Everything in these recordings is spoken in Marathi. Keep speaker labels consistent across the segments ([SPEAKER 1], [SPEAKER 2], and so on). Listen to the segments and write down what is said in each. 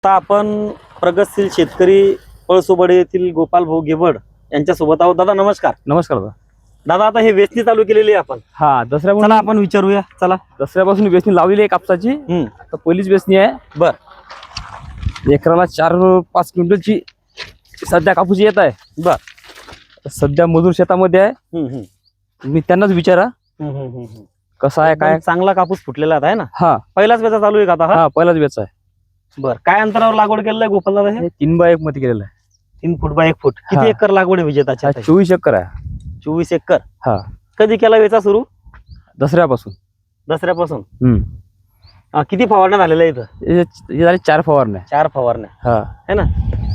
[SPEAKER 1] आता आपण प्रगतशील शेतकरी पळसोबडे येथील गोपाल भाऊ गेबड यांच्या सोबत आहोत. दादा नमस्कार.
[SPEAKER 2] नमस्कार दादा.
[SPEAKER 1] दादा आता हे वेचणी चालू केलेली आहे आपण.
[SPEAKER 2] हा दसऱ्यापासून
[SPEAKER 1] चला आपण विचारूया. चला
[SPEAKER 2] दसऱ्यापासून वेचणी लावलेली आहे कापसाची. तर पहिलीच वेचणी आहे.
[SPEAKER 1] बर.
[SPEAKER 2] एकराला 4-5 क्विंटलची सध्या कापूस येत आहे.
[SPEAKER 1] बर.
[SPEAKER 2] सध्या मजूर शेतामध्ये आहे. तुम्ही त्यांनाच विचारा कसा आहे काय.
[SPEAKER 1] चांगला कापूस फुटलेला आहे ना.
[SPEAKER 2] हा
[SPEAKER 1] पहिलाच वेचा चालू आहे का आता?
[SPEAKER 2] हा पहिलाच वेच आहे.
[SPEAKER 1] बर. काय अंतरावर लागवड केलेलं आहे गोपाल दादा? हे
[SPEAKER 2] 3x1 मध्ये केलेलं आहे.
[SPEAKER 1] 3 फूट बाय 1 फूट. किती
[SPEAKER 2] हा.
[SPEAKER 1] एकर लागवड आहे विजेताची?
[SPEAKER 2] 24 एकर आहे.
[SPEAKER 1] 24 एकर.
[SPEAKER 2] हा
[SPEAKER 1] कधी केला वेचा सुरू?
[SPEAKER 2] दसऱ्यापासून.
[SPEAKER 1] दसऱ्यापासून. किती फवारण्या झालेल्या इथं?
[SPEAKER 2] हे झाले 4 फवारण्या.
[SPEAKER 1] 4 फवारण्या
[SPEAKER 2] हा
[SPEAKER 1] है ना.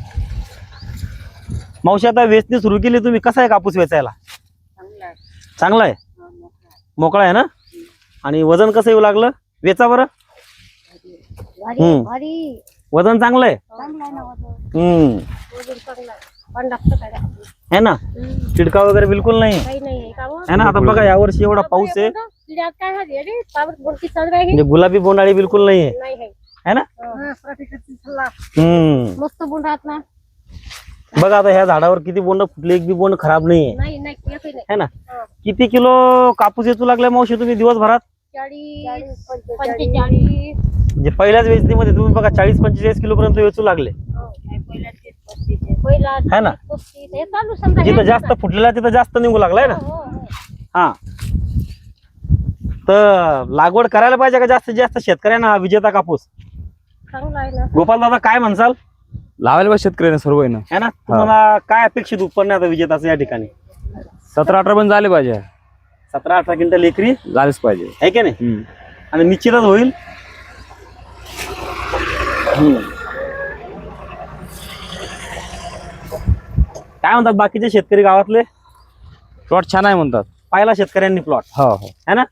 [SPEAKER 1] मावशी आता वेचणी सुरू केली तुम्ही, कसा आहे कापूस वेचायला? चांगला आहे. मोकळा आहे ना. आणि वजन कसं येऊ लागलं वेचा बरं? वजन चांगलं आहे. है ना. चिडका वगैरे बिलकुल नाही है ना. आता बघा यावर्षी एवढा पाऊस आहे म्हणजे गुलाबी बोंडाळी बिलकुल नाही आहे ना.
[SPEAKER 3] मस्त बोंड आहात ना.
[SPEAKER 1] बघा आता ह्या झाडावर किती बोंड फुटले, एक बी बोंड खराब नाहीये है ना. किती किलो कापूस येचू लागलाय मावशी तुम्ही दिवसभरात?
[SPEAKER 3] 40-45.
[SPEAKER 1] म्हणजे पहिल्याच वेचणीमध्ये तुम्ही बघा 40-45 किलो पर्यंत वेचू लागले है ना. जिथं जास्त फुटलेला तिथं जास्त निघू लागलाय ना. हा तर लागवड करायला पाहिजे का जास्तीत जास्त शेतकऱ्यांना हा विजेता कापूस? गोपाल दादा काय म्हणसाल?
[SPEAKER 2] लावायला पाहिजे शेतकऱ्यांना सर्व आहे ना.
[SPEAKER 1] है ना. तुम्हाला काय अपेक्षित उत्पन्न आहे आता विजेताचं या ठिकाणी?
[SPEAKER 2] 17-18 पण झाले पाहिजे.
[SPEAKER 1] 17-18 क्विंटल एकरी
[SPEAKER 2] झालेच पाहिजे
[SPEAKER 1] आहे की नाही. आणि निश्चितच होईल. काय म्हणतात बाकीचे शेतकरी गावातले?
[SPEAKER 2] प्लॉट छान आहे म्हणतात.
[SPEAKER 1] पाहिला शेतकऱ्यांनी प्लॉट
[SPEAKER 2] हो हो
[SPEAKER 1] है ना.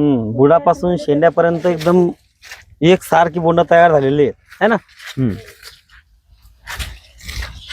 [SPEAKER 1] बुडापासून शेंड्यापर्यंत एकदम एक सारखी बोंड तयार झालेली आहे है ना.